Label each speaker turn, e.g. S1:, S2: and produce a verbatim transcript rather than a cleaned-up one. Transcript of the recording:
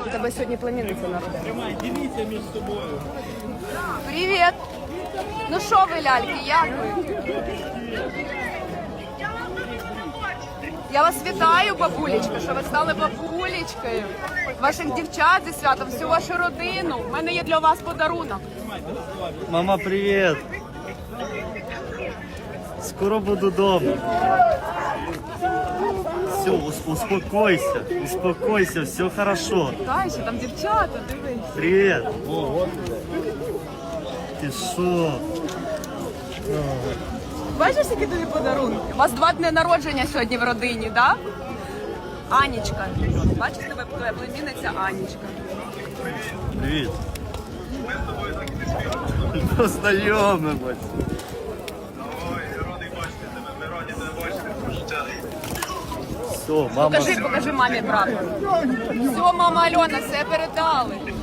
S1: У тебе сьогодні племінниця народила.
S2: Тримай, діліться між собою.
S1: Привіт! Ну що ви, ляльки, як ви? Я вас вітаю, бабулечка, що ви стали бабулечкою. Ваших дівчат зі святом, всю вашу родину. У мене є для вас подарунок.
S3: Мама, привет! Скоро буду дома. Все, успокойся, успокойся, все хорошо.
S1: Та, ще там дівчата, дивись.
S3: Привет! Ти що?
S1: Бачиш, які тобі подарунки? У вас два дні народження сьогодні в родині, так? Да? Анічка. Бачиш, тебе твоя племінниця Анічка.
S3: Привіт. Познайомимось. Все, мама.
S1: Покажи, покажи мамі прапор. Все, мама Альона, все передали.